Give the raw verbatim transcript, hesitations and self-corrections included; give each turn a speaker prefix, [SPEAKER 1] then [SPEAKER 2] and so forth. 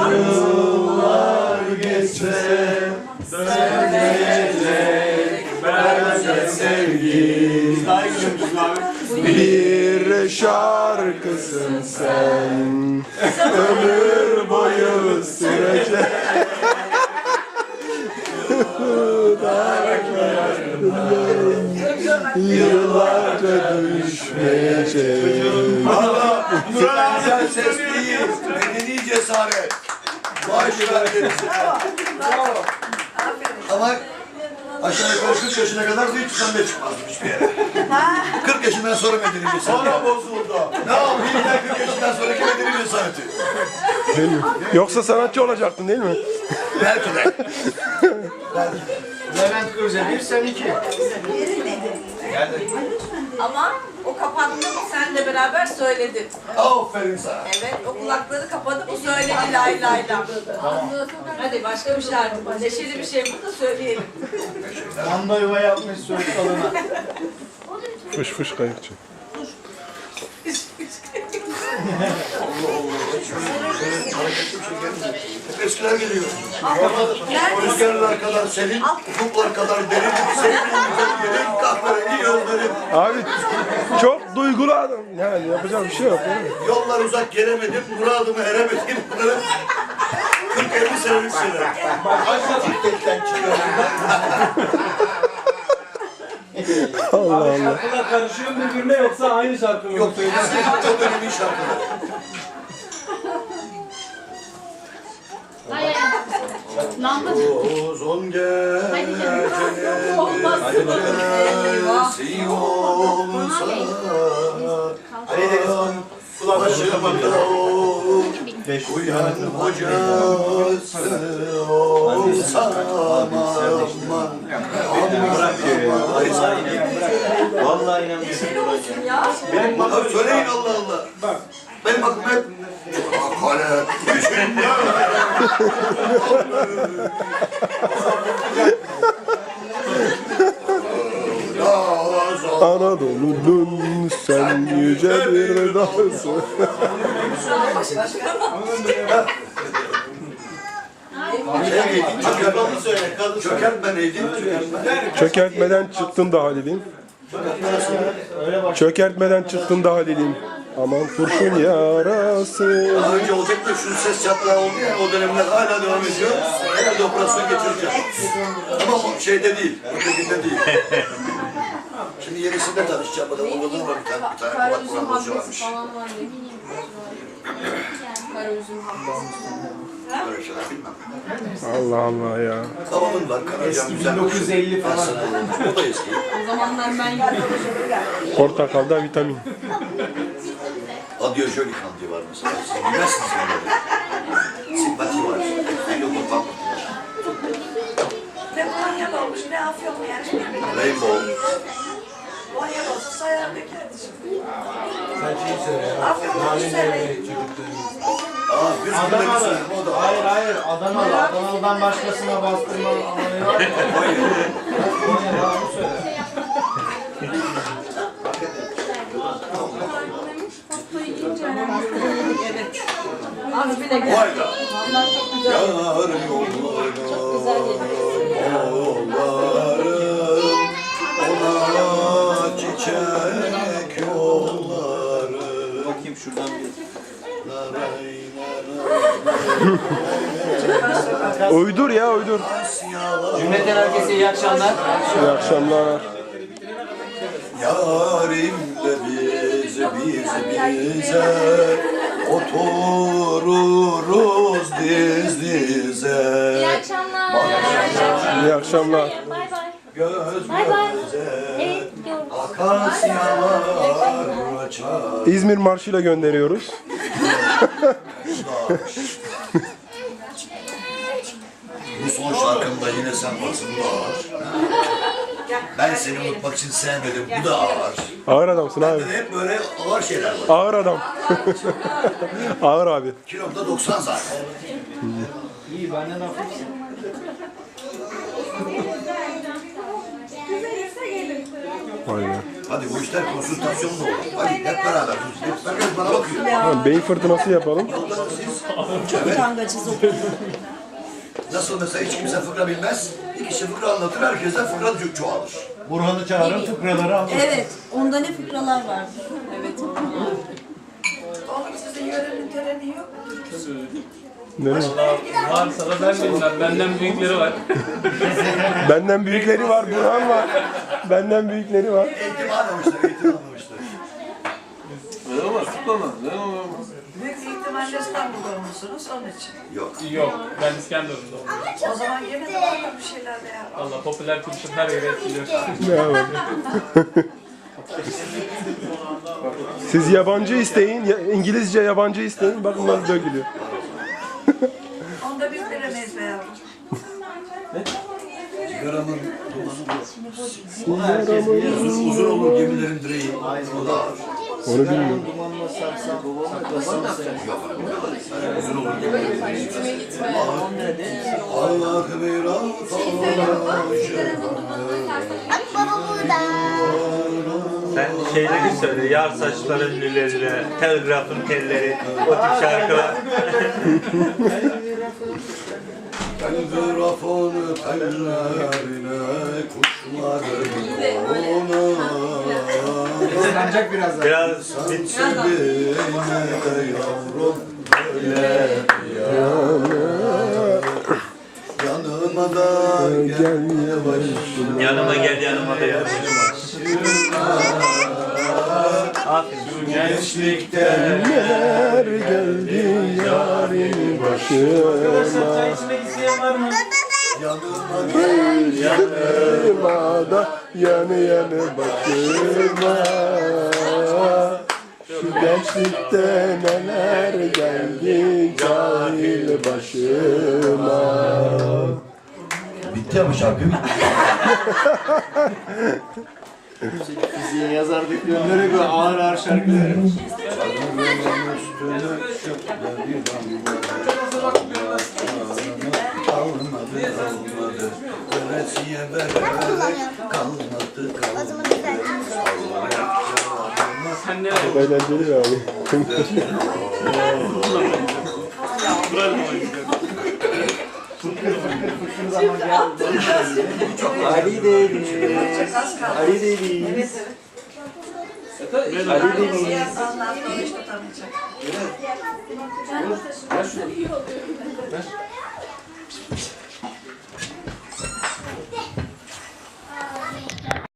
[SPEAKER 1] Yıllar geçse dönecek bence sevgi.
[SPEAKER 2] Daha iyi gidiyormuşsun abi.
[SPEAKER 1] Bir şarkısın sen, ömür boyu sürecek. Yıllarca düşmeyecek.
[SPEAKER 3] Valla güzel ses değil, medeni cesaret. Maaşlar gerisi. Ama aşağı yukarı kırk yaşına kadar da hiç sen de çıkmazdım hiçbir yere. kırk yaşından sonra medeni cesaret. Sonra bozuldu. Ne yapayım ben kırk yaşından sonraki medeni cesareti?
[SPEAKER 1] Değil mi? Yoksa sanatçı olacaktın değil mi?
[SPEAKER 3] Belki de.
[SPEAKER 2] Levent Kırca bir, sen iki.
[SPEAKER 4] Ama o kapandığında sen de beraber söyledin.
[SPEAKER 3] Aferin sana.
[SPEAKER 4] Evet, o kulakları kapadı, bu söyledi lay lay lay. Hadi başka bir şarkı. Neşeli bir şey burada söyleyelim.
[SPEAKER 2] Manda yuva yapmış söğüt dalına.
[SPEAKER 1] Fış fış kayıkçı.
[SPEAKER 3] Hep eskiler geliyor. Rüzgarlar kadar senin, ufuklar kadar derin, sevdiğin güzel yerin, kahverengi yolların.
[SPEAKER 1] Abi çok duygulu adam. Yani yapacak bir şey yok değil mi?
[SPEAKER 3] Yollar uzak gelemedim, muradımı eremedim. Bunların kırk elli senelik şeyler. Başka cikletten çıkıyorum
[SPEAKER 1] Allah Allah.
[SPEAKER 5] Şarkılar karışıyor mu birbirine yoksa aynı şarkı mı?
[SPEAKER 3] Yok, çok önemli şarkılar.
[SPEAKER 6] Ay ay. Lamba.
[SPEAKER 3] Uzun gecenin
[SPEAKER 4] Olmaz.
[SPEAKER 3] gecesi olsa
[SPEAKER 2] Ali Deniz
[SPEAKER 3] başımda o uyan hocası olsa aman.
[SPEAKER 2] Vallahi inanmıyorum.
[SPEAKER 4] Neşeli olsun ya.
[SPEAKER 2] Benim
[SPEAKER 3] Abi söyleyin Allah Allah. Benim aklım hep kale düşünme.
[SPEAKER 1] Anadolu'nun sen yüce bir dağısın.
[SPEAKER 3] Çökertmeni söyle. Çökertme neydi?
[SPEAKER 1] Çökertmeden çıktın da Halil'im. Çökertmeden çıktın da Halil'im. Aman kurşun yarası.
[SPEAKER 3] Daha önce olacak da şu ses çatlağı oldu ya, o dönemler hala devam ediyor. Herhalde operasyon geçireceğim. Ama o şeyde değil, ötekinde değil. Şimdi yenisinde tanışacağım. Burada Oğuz'un var bir tane, bir tane kulak buran bozu varmış. Böyle şeyler bilmem.
[SPEAKER 1] Allah Allah ya.
[SPEAKER 3] Babamın var, Karacan güzel.
[SPEAKER 2] bin dokuz yüz elli falan.
[SPEAKER 3] O da eski.
[SPEAKER 4] O zamanlar ben gidiyorum.
[SPEAKER 1] Portakalda vitamin.
[SPEAKER 3] Adyojolik diye var mesela. Siz bilmezsiniz yani. Simpati var. Lokum var.
[SPEAKER 4] Ne Konya'da olmuş, ne Afyon'da yani.
[SPEAKER 3] Rainbow.
[SPEAKER 4] Konya'da olsa sayar dökerdi şimdi.
[SPEAKER 5] Sen şeyi söyle ya.
[SPEAKER 4] Afyon'da bir söyleyin.
[SPEAKER 3] Aa, yüz günde bir
[SPEAKER 2] Adanalı.
[SPEAKER 3] söyleyeyim o da.
[SPEAKER 2] Hayır hayır Adanalı. Adanalı'dan başkasına bastırma olayı var ya. Konya'da onu söyle.
[SPEAKER 4] Evet. Az bile geldi.
[SPEAKER 3] Vay da.
[SPEAKER 4] Onlar çok güzel.
[SPEAKER 3] Yar yollarım,
[SPEAKER 4] Çok güzel
[SPEAKER 3] yollarım, ona çiçek yolları.
[SPEAKER 2] Bakayım şuradan bir.
[SPEAKER 1] Uydur ya uydur.
[SPEAKER 2] Cümleten herkese iyi akşamlar.
[SPEAKER 1] İyi akşamlar.
[SPEAKER 3] Yarim de biz, biz bize otururuz diz dize.
[SPEAKER 6] İyi akşamlar.
[SPEAKER 1] İyi akşamlar.
[SPEAKER 6] Bay bay.
[SPEAKER 3] Göz
[SPEAKER 6] Bay bay.
[SPEAKER 3] göze
[SPEAKER 6] Evet, görüşürüz.
[SPEAKER 3] akasyalar açar.
[SPEAKER 1] İzmir marşıyla gönderiyoruz.
[SPEAKER 3] Bu son şarkımda yine sen varsın, bu da ağır. Ben seni unutmak için sevmedim, bu da ağır.
[SPEAKER 1] Ağır adamsın abi.
[SPEAKER 3] Bende de hep böyle ağır şeyler var.
[SPEAKER 1] Ağır adam. Ağır abi.
[SPEAKER 3] Kilomda doksan zaten.
[SPEAKER 2] İyi benden hafif.
[SPEAKER 1] Vay be.
[SPEAKER 3] Hadi bu işler konsültasyonla olur. Hadi hep beraber. Herkes bana bakıyor.
[SPEAKER 1] Tamam, beyin fırtınası yapalım.
[SPEAKER 3] Yolda siz nasıl mesela hiç kimse fıkra bilmez. Bir kişi fıkra anlatır, herkesten fıkra ço- çoğalır.
[SPEAKER 2] Burhan'ı çağırın, fıkraları anlatın.
[SPEAKER 7] Evet, onda ne fıkralar vardı?
[SPEAKER 4] Evet. Oğlum sizin yörenin töreni yok mu?
[SPEAKER 1] Nereye?
[SPEAKER 5] Varsa da ben bilmem. Benden büyükleri var.
[SPEAKER 1] Benden büyükleri var, Burhan var. Benden büyükleri var.
[SPEAKER 3] Eğitim almamışlar, eğitim almamışlar.
[SPEAKER 5] Ne olmaz? Tutamaz. Ne olmaz?
[SPEAKER 4] Büyük ihtimalle İstanbul'da olmuşsunuz onun için.
[SPEAKER 3] Yok.
[SPEAKER 5] Yok. Ben İskenderun'da oldum.
[SPEAKER 4] O zaman gene de var bir şeyler de yap.
[SPEAKER 5] Valla popüler kültür her yere etkiliyor.
[SPEAKER 1] Ne var? Siz yabancı isteyin, ya- İngilizce yabancı isteyin. Bakın nasıl dökülüyor.
[SPEAKER 4] Onu da biz bilemeyiz be yavrum.
[SPEAKER 3] Sigaramın dumanı uzun, uzun olur gemilerin direği. O da ağır.
[SPEAKER 1] Onu bilmiyorum.
[SPEAKER 2] Dumanla sarsan, saklasana sen.
[SPEAKER 3] Yok. Uzun olur gemilerin direği. Allah'ı bir
[SPEAKER 6] Baba burada.
[SPEAKER 8] Sen şeyleri söyle, yar saçların lüleleri, telgrafın telleri, o tip şarkılar.
[SPEAKER 3] Telgrafın tellerine kuşların ona
[SPEAKER 2] Islanacak birazdan.
[SPEAKER 8] Biraz
[SPEAKER 3] bitsin de yavrum öyle yanıma da gel yavaş
[SPEAKER 8] yanıma gel, yanıma da yar. Aferin.
[SPEAKER 3] gençlikten
[SPEAKER 1] Neler geldi yarın başıma.
[SPEAKER 5] Çay içmek isteyen var mı?
[SPEAKER 3] yanıma gel
[SPEAKER 1] Yanıma da yanı yanı başıma. Şu gençlikte neler geldi cahil başıma.
[SPEAKER 3] bitti ama şarkı bitti.
[SPEAKER 2] Fiziğe yazardık yönlere göre ağır ağır şarkılar.
[SPEAKER 3] Kalmadı kalmadı veresiye vererek kalmadı
[SPEAKER 6] O
[SPEAKER 3] kalmadı.
[SPEAKER 6] zaman güzel.
[SPEAKER 5] Sen ne
[SPEAKER 1] Eğlenceli abi.
[SPEAKER 2] Ali Deniz. Ali Deniz. Ali Deniz.
[SPEAKER 4] Ondan sonra işte tanıyacak.